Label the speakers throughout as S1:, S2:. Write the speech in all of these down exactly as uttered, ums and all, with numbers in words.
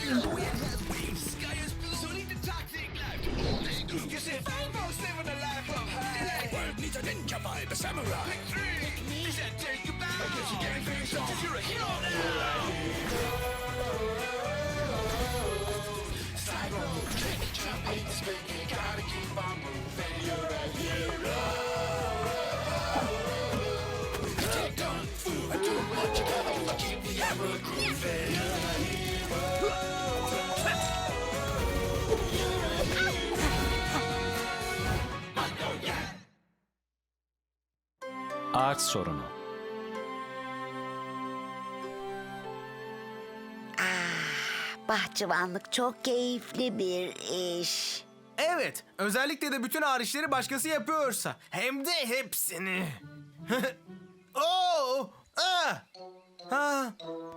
S1: Ağaç sorunu.
S2: Bahçıvanlık çok keyifli bir iş.
S3: Evet, özellikle de bütün ağır işleri başkası yapıyorsa. Hem de hepsini. Oo! Ah! Ah!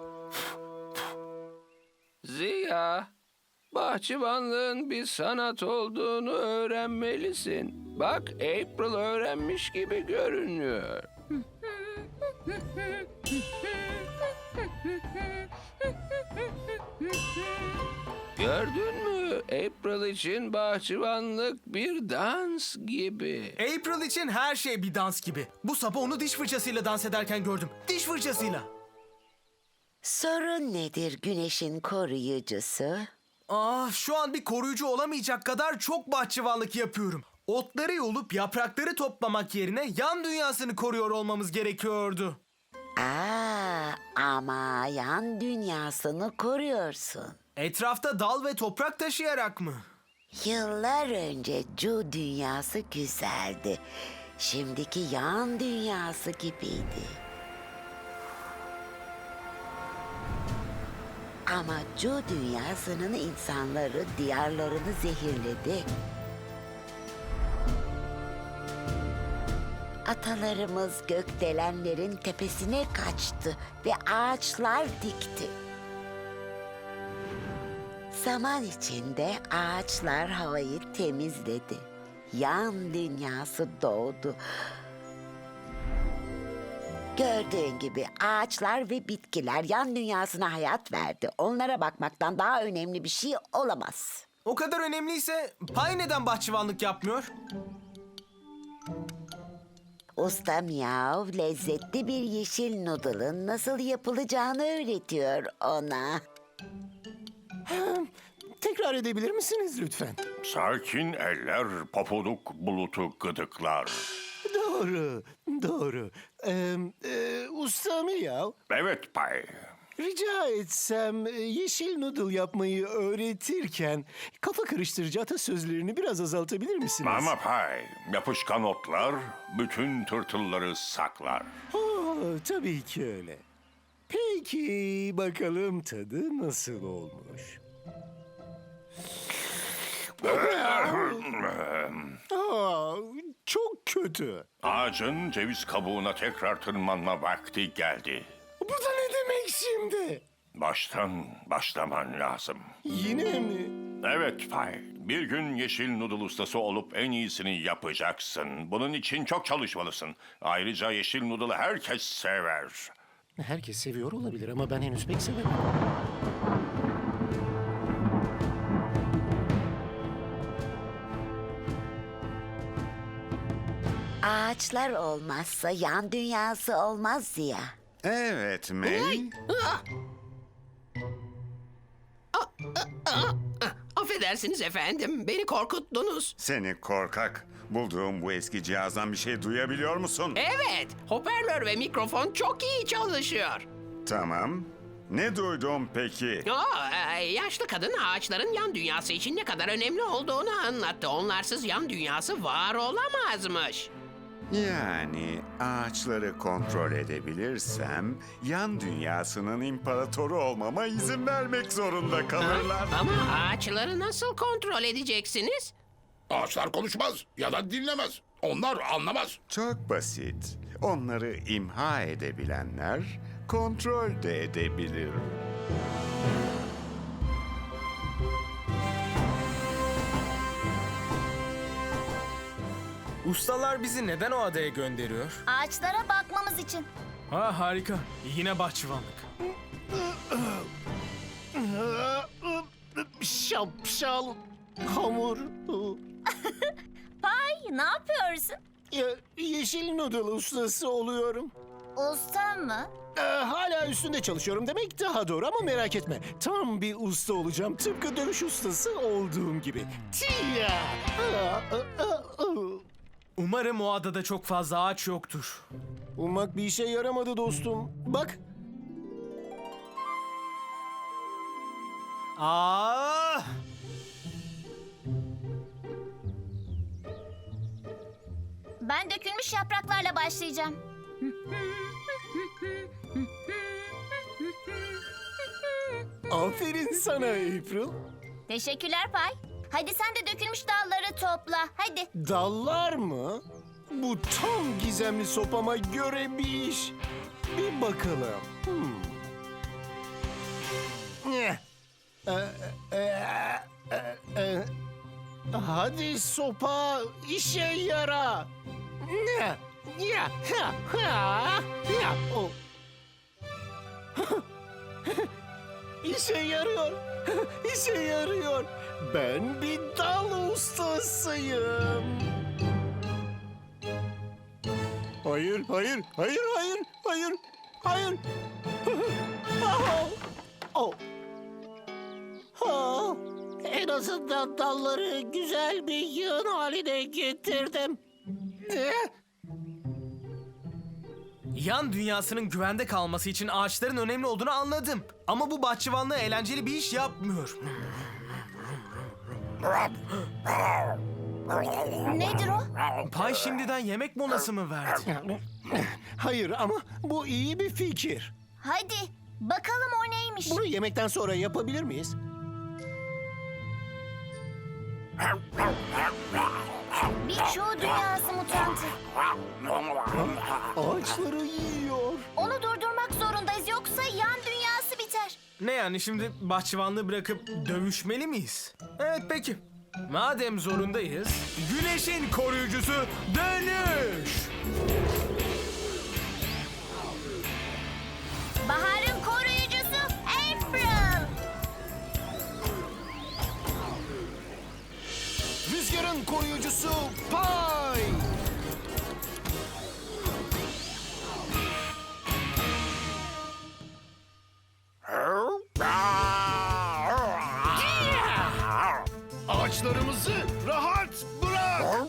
S4: Ziya, bahçıvanlığın bir sanat olduğunu öğrenmelisin. Bak, April öğrenmiş gibi görünüyor. Gördün mü? April için bahçıvanlık bir dans gibi.
S3: April için her şey bir dans gibi. Bu sabah onu diş fırçasıyla dans ederken gördüm. Diş fırçasıyla.
S2: Sorun nedir güneşin koruyucusu?
S3: Ah, şu an bir koruyucu olamayacak kadar çok bahçıvanlık yapıyorum. Otları yolup yaprakları toplamak yerine yan dünyasını koruyor olmamız gerekiyordu.
S2: Aa, ama yan dünyasını koruyorsun.
S3: Etrafta dal ve toprak taşıyarak mı?
S2: Yıllar önce Cu dünyası güzeldi. Şimdiki yan dünyası gibiydi. Ama Cu dünyasının insanları diyarlarını zehirledi. Atalarımız gökdelenlerin tepesine kaçtı ve ağaçlar dikti. Zaman içinde ağaçlar havayı temizledi. Yan dünyası doğdu. Gördüğün gibi ağaçlar ve bitkiler yan dünyasına hayat verdi. Onlara bakmaktan daha önemli bir şey olamaz.
S3: O kadar önemliyse Pay neden bahçıvanlık yapmıyor?
S2: Usta Miyav lezzetli bir yeşil noodle'ın nasıl yapılacağını öğretiyor ona.
S5: Tekrar edebilir misiniz lütfen?
S6: Sakin eller popoluk bulutu gıdıklar.
S5: Doğru, doğru. Ee, e, usta Miyav,
S6: Evet Pay.
S5: rica etsem e, yeşil noodle yapmayı öğretirken kafa karıştırıcı atasözlerini biraz azaltabilir misiniz?
S6: Ama Pay, yapışkan otlar bütün tırtılları saklar.
S5: Oo, tabii ki öyle. Peki bakalım tadı nasıl olmuş? Aa, çok kötü.
S6: Ağacın ceviz kabuğuna tekrar tırmanma vakti geldi.
S5: Bu da ne demek şimdi?
S6: Baştan başlaman lazım.
S5: Yine mi?
S6: Evet Pay, bir gün yeşil noodle ustası olup en iyisini yapacaksın. Bunun için çok çalışmalısın. Ayrıca yeşil noodle'ı herkes sever.
S5: Herkes seviyor olabilir ama ben henüz pek sevemem.
S2: Ağaçlar olmazsa yan dünyası olmaz Ziya.
S7: Evet May.
S8: Affedersiniz efendim, beni korkuttunuz.
S7: Seni korkak. Bulduğum bu eski cihazdan bir şey duyabiliyor musun?
S8: Evet, hoparlör ve mikrofon çok iyi çalışıyor.
S7: Tamam. Ne duydum peki?
S8: Aa, e, yaşlı kadın ağaçların yan dünyası için ne kadar önemli olduğunu anlattı. Onlarsız yan dünyası var olamazmış.
S7: Yani ağaçları kontrol edebilirsem yan dünyasının imparatoru olmama izin vermek zorunda kalırlar.
S8: Ama ağaçları nasıl kontrol edeceksiniz?
S9: Ağaçlar konuşmaz ya da dinlemez. Onlar anlamaz.
S7: Çok basit. Onları imha edebilenler kontrol de edebilir.
S3: Ustalar bizi neden o adaya gönderiyor?
S10: Ağaçlara bakmamız için.
S3: Ha harika. Yine bahçıvanlık.
S5: şapşal hamur.
S10: Pay, ne yapıyorsun?
S5: Ya, yeşil noodle ustası oluyorum.
S10: Usta mı?
S5: Ee, hala üstünde çalışıyorum demek daha doğru ama merak etme. Tam bir usta olacağım. Tıpkı dövüş ustası olduğum gibi. Tiya! Aa, aa, aa.
S3: Umarım o adada çok fazla ağaç yoktur.
S5: Ummak bir işe yaramadı dostum. Bak,
S3: Aa!
S10: Ben dökülmüş yapraklarla başlayacağım.
S5: aferin sana April.
S10: Teşekkürler Pay. Hadi sen de dökülmüş dalları topla. Hadi.
S5: Dallar mı? Bu tam gizemli sopama göre bir iş. Bir bakalım. Hmm. Eh. Ee, e, e, e. Hadi sopa işe yara. Ne? Ya, ha, ha, ya. O. İşe yarıyor. İşe yarıyor. Ben bir dal ustasıyım. Hayır, hayır, hayır, hayır, hayır, hayır. Oh. Oh. Oh. En azından dalları güzel bir yığın haline getirdim. Ne?
S3: Yan dünyasının güvende kalması için ağaçların önemli olduğunu anladım. Ama bu bahçıvanlığı eğlenceli bir iş yapmıyor.
S10: Nedir o?
S3: Pay şimdiden yemek molası mı verdi?
S5: Hayır ama bu iyi bir fikir.
S10: Hadi bakalım o neymiş?
S5: Bunu yemekten sonra yapabilir miyiz?
S10: Bir çoğu dünyası mutantı.
S5: Ağaçları yiyor.
S10: Onu durdurmak zorundayız yoksa yan dünyası biter.
S3: Ne yani şimdi bahçıvanlığı bırakıp dövüşmeli miyiz? Evet peki. Madem zorundayız, güneşin koruyucusu dönüş!
S10: Baharın koruyucusu April.
S5: Rüzgarın koruyucusu Pay.
S9: Ağaçlarımızı rahat bırak.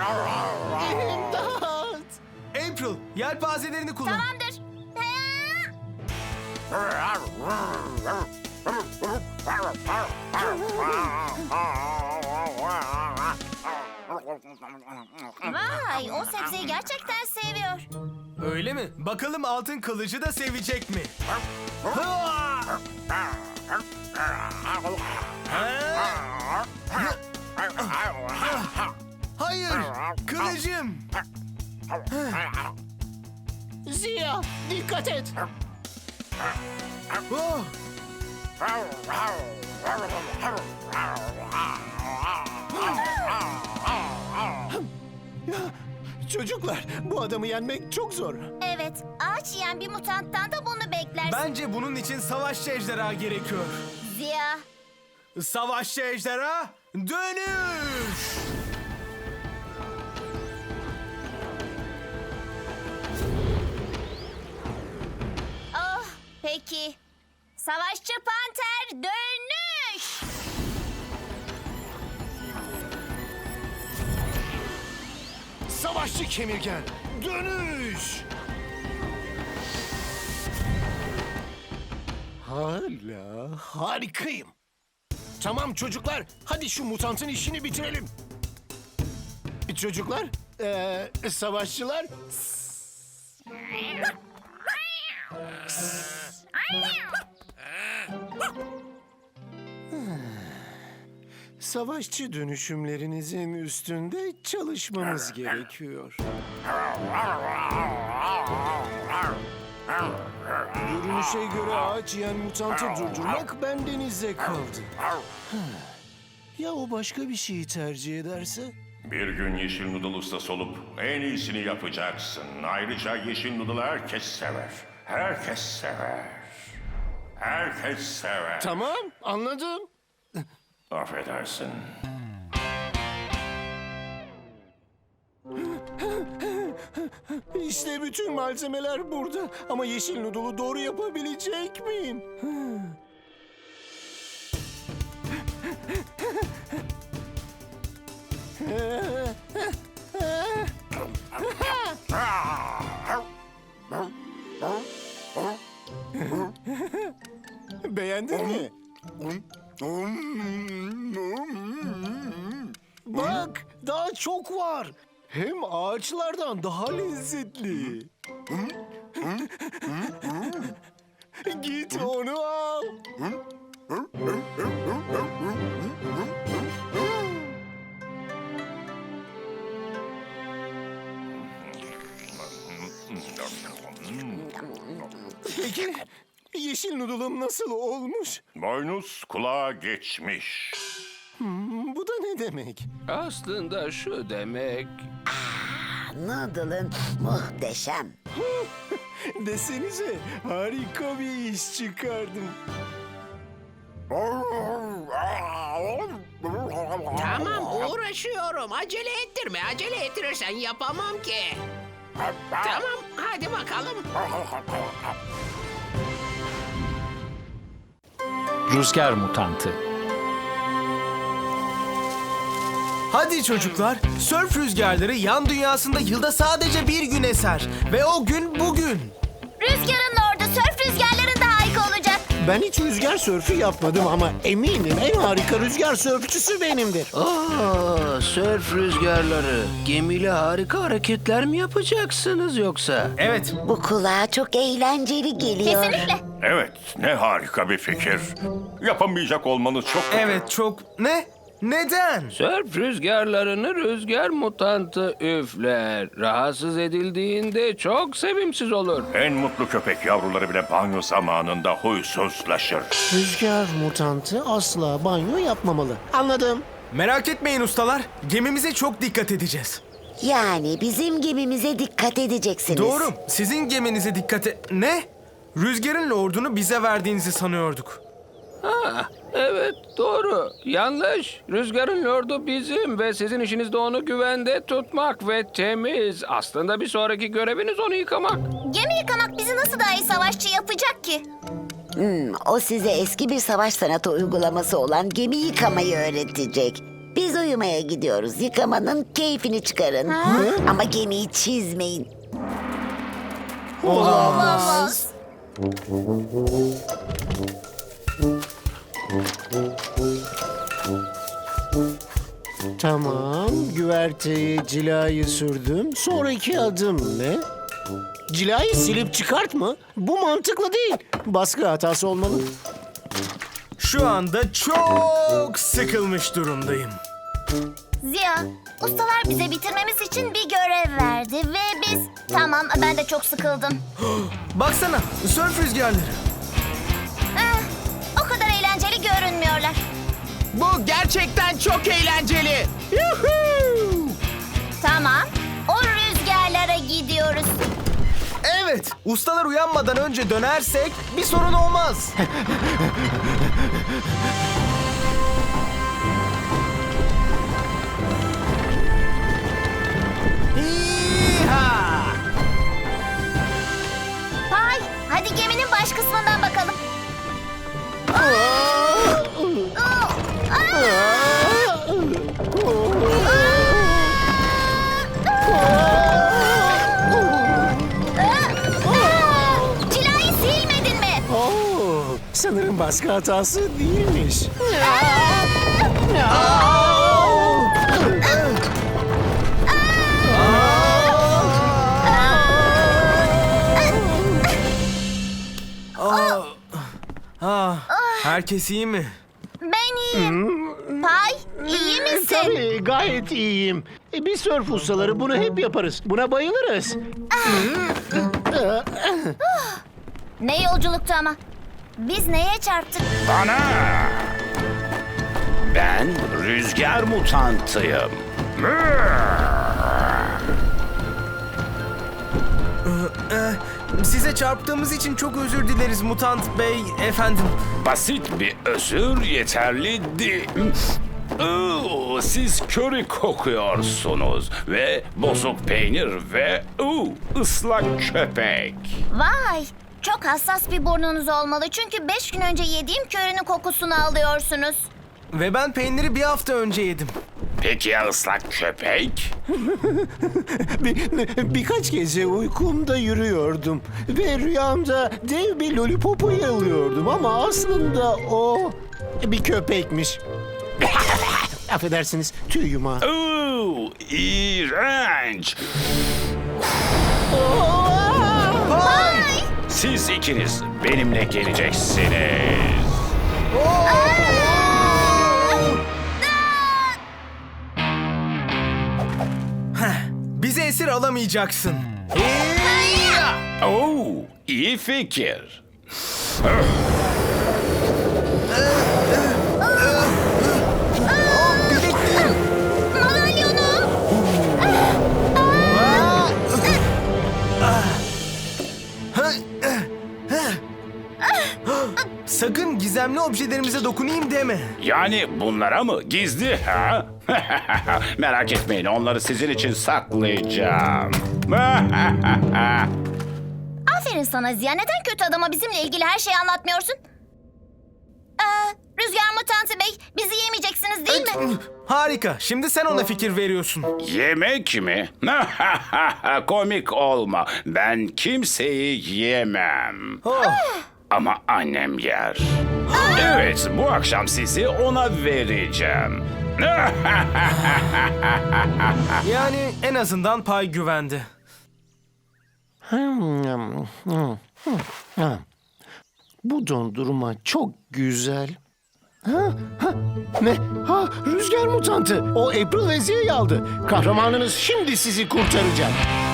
S5: İmdat!
S3: April, yelpazelerini kullan.
S10: Tamamdır. Vay, o sebzeyi gerçekten seviyor.
S3: Öyle mi? Bakalım altın kılıcı da sevecek mi? Ha! Hayır, kılıcım.
S5: Ziya, dikkat et.
S3: Oh!
S5: Çocuklar, bu adamı yenmek çok zor.
S10: Evet, ağaç yiyen bir mutanttan da bunu beklersin.
S3: Bence bunun için savaşçı ejderha gerekiyor.
S10: Ziya.
S3: Savaşçı ejderha, dönüş!
S10: Oh, peki. Savaşçı panter dönüş.
S5: Savaşçı kemirgen, dönüş! Hala harikayım. Tamam çocuklar, hadi şu mutantın işini bitirelim. Çocuklar, eee, savaşçılar... Savaşçı dönüşümlerinizin üstünde çalışmamız gerekiyor. Görünüşe göre ağaç yiyen mutantı durdurmak bendenize kaldı. Ya o başka bir şeyi tercih ederse?
S6: Bir gün yeşil noodle ustası olup en iyisini yapacaksın. Ayrıca yeşil noodle'ı herkes sever. Herkes sever. Herkes sever.
S5: Tamam, anladım.
S6: Affedersin.
S5: İşte bütün malzemeler burada. Ama yeşil noodle'u doğru yapabilecek miyim? Beğendin mi? Bak, daha çok var. Hem ağaçlardan daha lezzetli. Git onu al. Peki, yeşil noodle'ım nasıl olmuş?
S6: Boynuz kulağa geçmiş.
S5: Bu da ne demek?
S4: Aslında şu demek...
S2: Noodle'ın muhteşem.
S5: Desenize, harika bir iş çıkardım.
S8: Tamam uğraşıyorum. Acele ettirme. Acele ettirirsen yapamam ki. Tamam hadi bakalım.
S1: Rüzgar mutantı.
S3: Hadi çocuklar, sörf rüzgarları yan dünyasında yılda sadece bir gün eser. Ve o gün bugün.
S10: Rüzgarın orada sörf rüzgarların da harika olacak.
S5: Ben hiç rüzgar sörfü yapmadım ama eminim en harika rüzgar sörfçüsü benimdir.
S4: Aa, sörf rüzgarları. Gemiyle harika hareketler mi yapacaksınız yoksa?
S3: Evet,
S2: Bu kulağa çok eğlenceli geliyor.
S10: Kesinlikle.
S6: Evet, ne harika bir fikir. Yapamayacak olmanız çok kötü.
S3: evet çok... Ne? Neden?
S4: Sörf rüzgarlarını rüzgar mutantı üfler. Rahatsız edildiğinde çok sevimsiz olur.
S6: En mutlu köpek yavruları bile banyo zamanında huysuzlaşır.
S5: Rüzgar mutantı asla banyo yapmamalı. Anladım.
S3: Merak etmeyin ustalar, gemimize çok dikkat edeceğiz.
S2: Yani bizim gemimize dikkat edeceksiniz.
S3: Doğru, sizin geminize dikkat et... Ne? Rüzgarın lordunu bize verdiğinizi sanıyorduk.
S4: Ha, evet doğru. Yanlış. Rüzgarın lordu bizim ve sizin işiniz de onu güvende tutmak ve temiz. Aslında bir sonraki göreviniz onu yıkamak.
S10: Gemi yıkamak bizi nasıl daha iyi savaşçı yapacak ki?
S2: Hmm, o size eski bir savaş sanatı uygulaması olan gemi yıkamayı öğretecek. Biz uyumaya gidiyoruz. Yıkamanın keyfini çıkarın. Ama gemiyi çizmeyin.
S10: Olamaz.
S5: Tamam, güverteye cilayı sürdüm. Sonraki adım ne? Cilayı silip çıkart mı? Bu mantıklı değil. Baskı hatası olmalı.
S3: Şu anda çok sıkılmış durumdayım.
S10: Ziya, ustalar bize bitirmemiz için bir görev verdi ve biz... Tamam, ben de çok sıkıldım.
S3: Baksana, sörf rüzgarları.
S10: Eh, o kadar eğlenceli görünmüyorlar.
S8: Bu gerçekten çok eğlenceli.
S10: Tamam, o rüzgarlara gidiyoruz.
S3: Evet, ustalar uyanmadan önce dönersek bir sorun olmaz. İha!
S10: Pay, hadi geminin baş kısmından bakalım. Cilayı silmedin mi?
S5: Oo, sanırım baskı hatası değilmiş.
S3: Ah, herkes iyi mi?
S10: Ben iyiyim. Pay, iyi misin?
S5: Tabii, gayet iyiyim. E, biz sörf ustaları bunu hep yaparız. Buna bayılırız.
S10: Ne yolculuktu ama. Biz neye çarptık?
S7: Bana! Ben rüzgar mutantıyım.
S3: Ee, Size çarptığımız için çok özür dileriz Mutant Bey efendim.
S11: Basit bir özür yeterli değil. Oo, siz köri kokuyorsunuz ve bozuk peynir ve oo, ıslak köpek.
S10: Vay! Çok hassas bir burnunuz olmalı çünkü beş gün önce yediğim körünün kokusunu alıyorsunuz.
S3: Ve ben peyniri bir hafta önce yedim.
S11: Peki ya ıslak köpek?
S5: Bir, birkaç gece uykumda yürüyordum ve rüyamda dev bir lollipopu yalıyordum ama aslında o bir köpekmiş. Affedersiniz, tüy yumağı.
S11: Oo, iğrenç. Siz ikiniz benimle geleceksiniz.
S3: Bizi esir alamayacaksın.
S11: Oo, iyi fikir.
S10: Madalyonum!
S3: Sakın gizemli objelerimize dokunayım deme.
S11: Yani bunlara mı? Gizli ha? Merak etmeyin, onları sizin için saklayacağım.
S10: Aferin sana Ziya. Neden kötü adama bizimle ilgili her şeyi anlatmıyorsun? Ee, Rüzgar Mutanti Bey, bizi yemeyeceksiniz değil mi?
S3: Harika. Şimdi sen ona fikir veriyorsun.
S11: Yemek mi? Komik olma. Ben kimseyi yemem.
S3: Oh.
S11: Ama annem yer. Evet, bu akşam sizi ona vereceğim.
S3: Yani en azından pay güvende.
S5: Hmm, hmm, hmm. Bu dondurma çok güzel. Ha, ha, ne? Ha, rüzgar mutantı. O April ve Ziya'yı aldı. Kahramanınız şimdi sizi kurtaracak.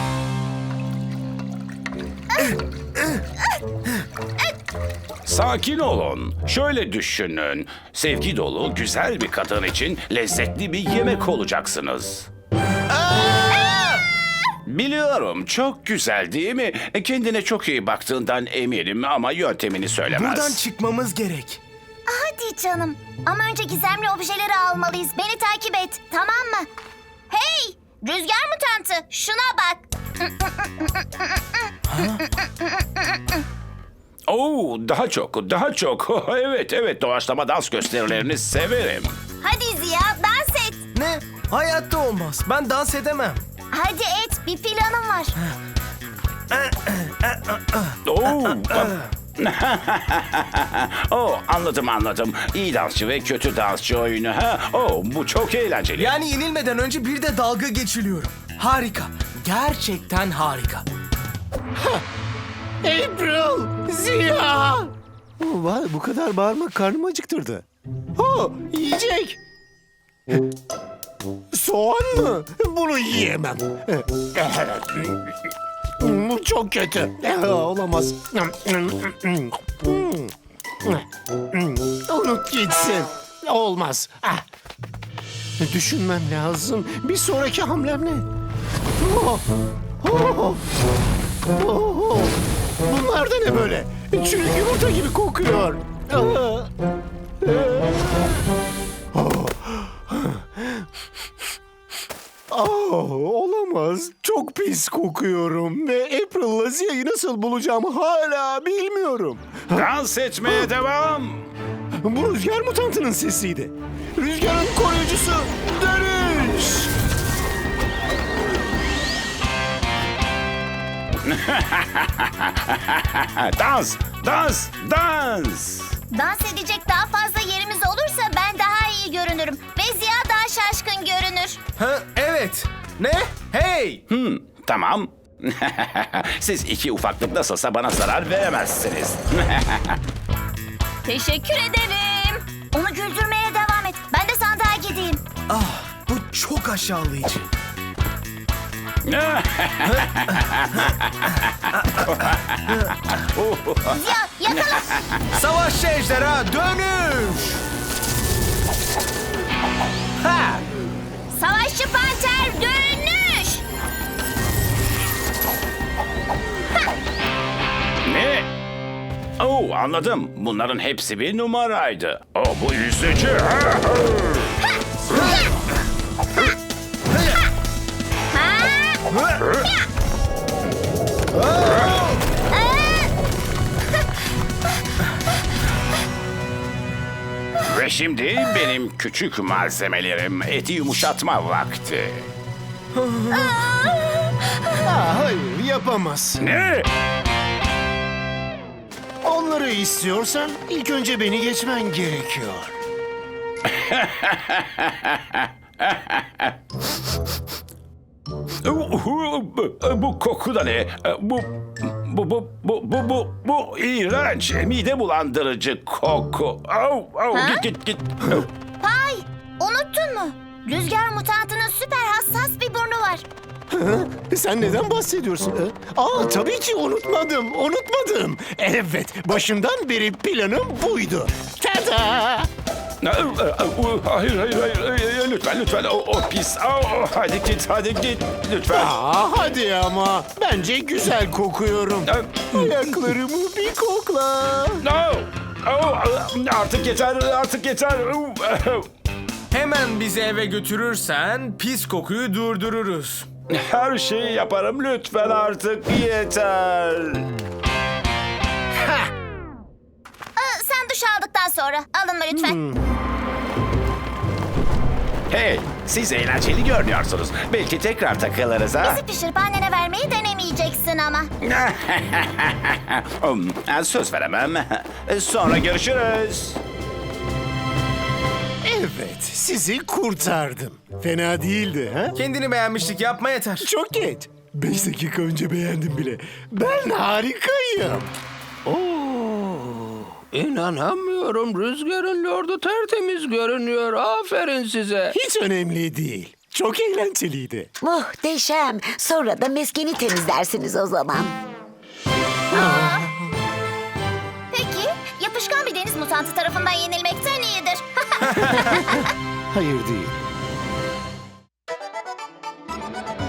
S11: Sakin olun. Şöyle düşünün. Sevgi dolu, güzel bir kadın için lezzetli bir yemek olacaksınız. Biliyorum, çok güzel değil mi? Kendine çok iyi baktığından eminim ama yöntemini söylemez.
S3: Buradan çıkmamız gerek.
S10: Hadi canım. Ama önce gizemli objeleri almalıyız. Beni takip et, tamam mı? Hey! Rüzgar Mutanti, şuna bak.
S11: Oo, daha çok, daha çok. Evet, evet, doğaçlama dans gösterilerini severim.
S10: Hadi Ziya, dans et.
S3: Ne? Hayatta olmaz. Ben dans edemem.
S10: Hadi et, bir planım var.
S11: Oo, oh, anladım anladım. İyi dansçı ve kötü dansçı oyunu. Ha? Oh, bu çok eğlenceli.
S3: Yani yenilmeden önce bir de dalga geçiliyorum. Harika. Gerçekten harika.
S5: April! Ziya! Oh, vay, bu kadar bağırmak karnımı acıktırdı. Oh, yiyecek. Soğan mı? Bunu yiyemem. Bu çok kötü. Olamaz. Unut gitsin. Olmaz. Ah. Düşünmem lazım. Bir sonraki hamlem ne? Oh. Oh. Oh. Bunlar da ne böyle? Çürük yumurta gibi kokuyor. Ah. Oh, olamaz. Çok pis kokuyorum ve April'la Ziya'yı nasıl bulacağımı hala bilmiyorum.
S11: Dans etmeye devam.
S5: Bu rüzgar mutantının sesiydi. Rüzgarın koruyucusu dönüş.
S11: Dans, dans, dans.
S10: Dans edecek daha fazla yerimiz olursa ben daha iyi görünürüm. Ve Ziya daha şaşkın görünür.
S3: Ha, evet. Ne? Hey!
S11: Hmm, tamam. Siz iki ufaklık nasılsa bana zarar veremezsiniz.
S10: Teşekkür ederim. Onu güldürmeye devam et. Ben de sandığa gideyim.
S3: Ah, bu çok aşağılayıcı.
S10: Ziya yakala.
S3: Savaşçı ejderha dönüş! Ha!
S10: Savaşçı panter dönüş. Ha!
S11: Ne? Oo, anladım. Bunların hepsi bir numaraydı. Oh, bu üzücü. Ve şimdi benim küçük malzemelerim eti yumuşatma vakti.
S5: Aa, hayır yapamazsın.
S11: Ne?
S5: Onları istiyorsan ilk önce beni geçmen gerekiyor.
S11: Bu koku da ne? Bu bu bu bu bu bu bu iğrenç, mide bulandırıcı koku. Au, au,
S10: Ha?
S11: git git git.
S10: Pay, unuttun mu? Rüzgar mutantının süper hassas bir burnu var.
S5: Hı? Sen neden bahsediyorsun? Hı? Aa, tabii ki unutmadım, unutmadım. Evet, başından beri planım buydu. Tada!
S11: Hayır hayır hayır lütfen lütfen o, o pis. Au, hadi git hadi git lütfen.
S5: Aa, hadi ama. Bence güzel kokuyorum. Ayaklarımı bir kokla.
S11: No. Oh, artık yeter artık yeter.
S3: Hemen bizi eve götürürsen pis kokuyu durdururuz.
S11: Her şeyi yaparım lütfen artık yeter.
S10: Aa, sen duş aldıktan sonra alınma lütfen.
S11: Hey, siz eğlenceli görünüyorsunuz. Belki tekrar takılırız ha.
S10: Bizi pişirip annene vermeyi denemeyeceksin ama.
S11: Um, Söz veremem. Sonra görüşürüz.
S5: Evet, sizi kurtardım. Fena değildi ha?
S3: Kendini beğenmişlik yapma yeter.
S5: Çok geç. Beş dakika önce beğendim bile. Ben harikayım.
S4: İnanamıyorum. Rüzgarın lordu tertemiz görünüyor. Aferin size.
S5: Hiç önemli değil. Çok eğlenceliydi.
S2: Muhteşem. Sonra da meskeni temizlersiniz o zaman.
S10: Peki, yapışkan bir deniz mutantı tarafından yenilmekten iyidir.
S5: Hayır değil.